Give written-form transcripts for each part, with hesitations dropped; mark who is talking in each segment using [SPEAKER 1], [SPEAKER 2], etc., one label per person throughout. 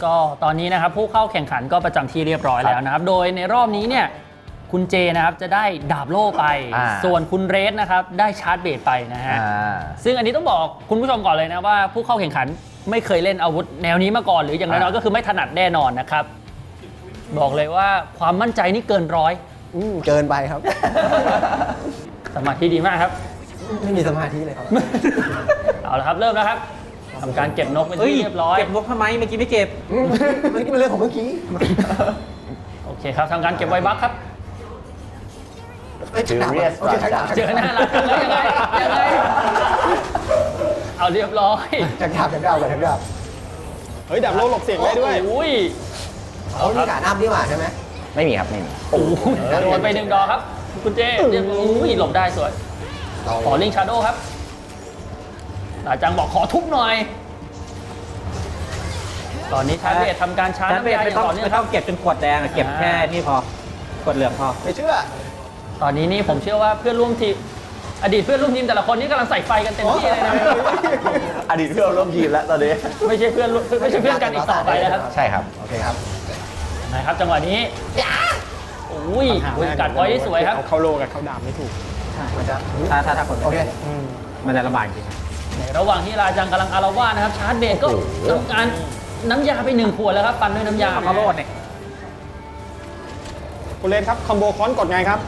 [SPEAKER 1] ก็ตอนนี้นะครับผู้เข้าแข่งขันก็ประจำที่เรียบร้อยแล้วนะครับโดยในรอบนี้เนี่ยคุณเจนะครับจะได้ดาบโล่ไปส่วนคุณเรสนะครับได้ชาร์จเบสไปนะฮะซึ่งอันนี้ต้องบอกคุณผู้ชมก่อนเลยนะว่าผู้เข้าแข่งขันไม่เคยเล่นอาวุธแนวนี้มาก่อนหรืออย่างน้อยๆก็คือไม่ถนัดแน่นอนนะครับบอกเลยว่าความมั่นใจนี่เกินร้อย
[SPEAKER 2] เกินไปครับ
[SPEAKER 1] สมาธิดีมากครับ
[SPEAKER 2] ไม่มีสมาธิเลยครับ
[SPEAKER 1] เอาละครับเริ่มแล้วครับทำการเก็บนกเป็นที่เรียบร้อย
[SPEAKER 3] เก็บนกทำไมเมื่อกี้ไม่เก็บ
[SPEAKER 2] มันเป็นเรื่องของเมื่อกี้
[SPEAKER 1] โอเคครับทำการเก็บไวบัคครับ
[SPEAKER 2] เจอ
[SPEAKER 1] หน้ารักแล้วยังไงเอาเรียบร้อย
[SPEAKER 2] จากดาบจากดาบจากดาบ
[SPEAKER 4] เฮ้ยดาบโลหลบเสียงได้ด้วย
[SPEAKER 1] อุ้ย
[SPEAKER 2] เขามีการอัพนี่หว่าใช่ไหม
[SPEAKER 3] ไม่มีครับไม่มี
[SPEAKER 1] โอ้โดนไป1 ดอกครับคุณเจเรียบอุ้ยหลบได้สวยขอลิงชาโดครับอาจังบอกขอทุบหน่อยตอนนี้ชาร์จเบสทำการชาร์จน้ำยาอย่างต่อเนื่องครับ
[SPEAKER 3] เก็บจนขวดแดงเก็บแค่นี่พอขวดเหลืองพอ
[SPEAKER 2] ไม่เชื่อ
[SPEAKER 1] ตอนนี้นี่ผมเชื่อว่าเพื่อนร่วมทีมอดีตเพื่อนร่วมทีมแต่ละคนนี่กำลังใส่ไฟกันเต็มที่เลยนะ
[SPEAKER 3] อดีตเพื่อนร่วมทีมแล้วตอนนี้
[SPEAKER 1] ไม่ใช่เพื่อนกันอีกต่อไปแล้วครับ
[SPEAKER 3] ใช่ครับ
[SPEAKER 2] โอเคครับ
[SPEAKER 1] นะครับจังหวะนี้อุ้ยกัดพอยที่สวยครับ
[SPEAKER 4] เขาโลกับเขาดาบไม่ถูก
[SPEAKER 2] มันจะ
[SPEAKER 3] ถ้าคน
[SPEAKER 2] โอเค
[SPEAKER 3] มันจะลำบากจริง
[SPEAKER 1] ในระหว่างที่ราจังกำลังอารวาสนะครับชาร์จเบสก็ทำการน้ำยาไป1 ขวดแล้วครับปันด้วยน้ำยา
[SPEAKER 3] เขาโลดเนี่ย
[SPEAKER 4] คุณเลนครับคอมโบค้อนกดไงครับ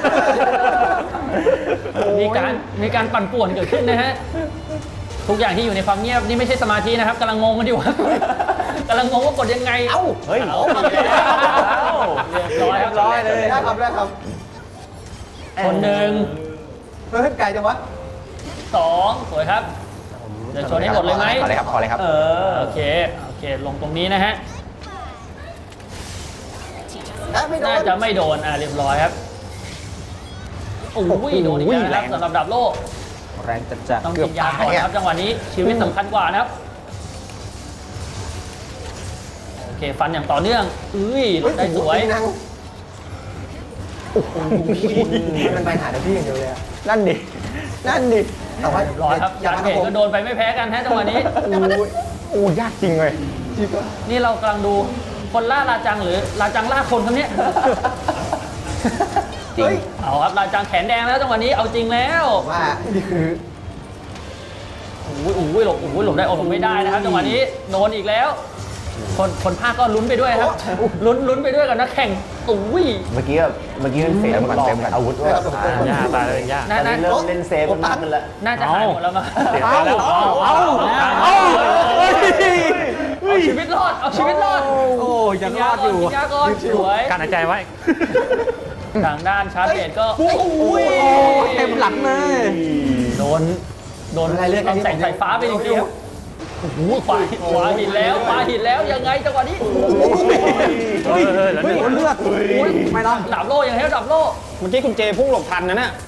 [SPEAKER 1] มีการปั่นป่วนเกิดขึ้นนะฮะทุกอย่างที่อยู่ในความเงียบนี่ไม่ใช่สมาธินะครับกำลังงงกันอยู่ครับกำลังงงว่ากดยังไง
[SPEAKER 3] เฮ้ย
[SPEAKER 1] เรียบร้อยครับ
[SPEAKER 2] ร้อยเลยได้ครับ
[SPEAKER 1] คนหนึ่ง
[SPEAKER 2] เฮ้ยไกลจังวะ
[SPEAKER 1] 2สวยครับจะชนให้หมดเลยไหม
[SPEAKER 3] ขอเลยครับ
[SPEAKER 1] โอเคลงตรงนี้นะฮะน่าจะไม่โดนเรียบร้อยครับโอ้ยโดนอีกแล้วสำหรับดับโล่
[SPEAKER 3] แรงจัด
[SPEAKER 1] ต้องกินยาก่อนครับจังหวะนี้ชีวิตสำคัญกว่านะครับโอเคฟันอย่างต่อเนื่องได้สวย
[SPEAKER 2] มันไปหาแต่พี่อย่างเดียวเลย
[SPEAKER 3] นั่นดิ
[SPEAKER 2] แต่ว่า
[SPEAKER 1] ร้อยครับยาเกตก็โดนไปไม่แพ้กันฮะจังหวะนี้
[SPEAKER 3] โอ้ยากจริงเลย
[SPEAKER 1] นี่เรากำลังดูคนล่าราจังหรือราจังล่าคนครับเนี่ย
[SPEAKER 3] จริง
[SPEAKER 1] เอาครับราจังแขนแดงแล้วจังหวะนี้เอาจริงแล้ว
[SPEAKER 2] ว่านี่คือ
[SPEAKER 1] หลบได้หลบไม่ได้นะครับจังหวะนี้โดนอีกแล้วคนภาคก็ลุ้นไปด้วยครับลุ้นไปด้วยกับนักแข่ง
[SPEAKER 3] เมื่อกี้มันเสียมันเต็มกับอาวุธด้วย
[SPEAKER 4] ยากตายเลยยาก
[SPEAKER 3] เริ่มเล่นเซฟมากขึ้นแล้ว
[SPEAKER 1] น่าจะหายหมดแล้วมั้งเอาชีวิตรอด
[SPEAKER 3] โอ้ยังรอดอยู่
[SPEAKER 1] ยาก่อนสวย
[SPEAKER 4] การหายใจไว้
[SPEAKER 1] ทางด้านชาร์จเบสก็
[SPEAKER 3] เต็มหลังเลย
[SPEAKER 1] โดนอะไรเรื่องแสงสายฟ้าไปจริงๆขวาหินแล้วยังไงจังหวะนี้
[SPEAKER 3] เลือดไม่ต้อง
[SPEAKER 1] ดับโล่ยังไงดับโล่
[SPEAKER 4] เมื่อกี้คุณเจพุ่งหลบทันนะเนี่ย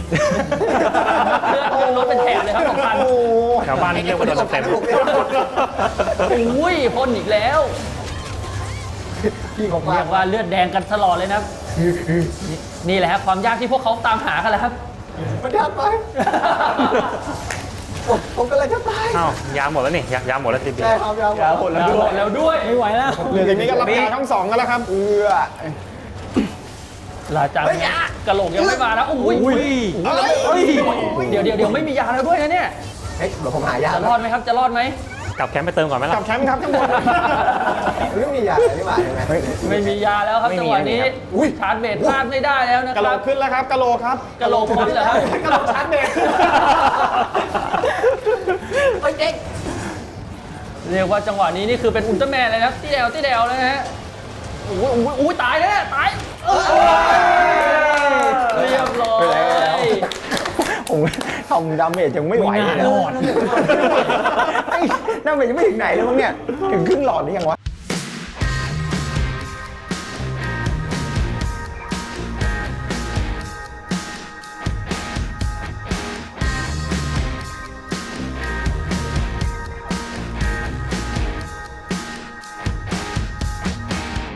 [SPEAKER 1] เลือดรถเป็นแถบเลยครับ2,000
[SPEAKER 4] แถวบ้านนี่เรียกว่าโดนเต็ม
[SPEAKER 1] พ่นอีกแล้วเรียกว่าเลือดแดงกันตลอดเลยนะนี่แหละครับความยากที่พวกเขาตามหากันแหละครับ
[SPEAKER 2] มันยากไปผมก็เลยจะตาย
[SPEAKER 4] ยาหมดแล้วนี่ยาหมดแล้วทีเดียว
[SPEAKER 2] ยาหมด
[SPEAKER 1] แล้วด้วยไม่ไหวแล้ว
[SPEAKER 4] เหลืออย่างนี้ก็รับยาทั้ง2กันแล้วครับ
[SPEAKER 1] ลาจังกระโหลกยังไม่มานะเดี๋ยวไม่มียาแล้วด้วยนะเนี่ย
[SPEAKER 2] เดี๋ยวผมหายา
[SPEAKER 1] จะรอดไหมครับจะรอดไหม
[SPEAKER 4] กลับแคมป์ไปเติมก่อนไหมล่ะกลับแคมป์ครับทั้งหมด
[SPEAKER 2] ไม่มียาไม่มาใช่ไหม
[SPEAKER 1] ไม่มียาแล้วครับจังหวะนี้ชาร์จเบสพลาดไม่ได้แล้วนะครับ
[SPEAKER 4] กระโหลกขึ้นแล้วครับกระโหลกครับ
[SPEAKER 1] กระโหลกพ้นแล้วครับ
[SPEAKER 4] กระโหลกชาร์จเบส
[SPEAKER 1] เด็กเรียกว่าจังหวะนี้นี่คือเป็นอุลตร้าแมนเลยครับที่เดวนะฮะตายแล้วตายเรียบร้อย
[SPEAKER 3] ผมทำดาเมจยังไม่ไหวเลย
[SPEAKER 1] รอด
[SPEAKER 3] ดาเมจยังไม่ถึงไหนเลยมั้งเนี่ยถึงครึ่งหลอดนี่ยังวะ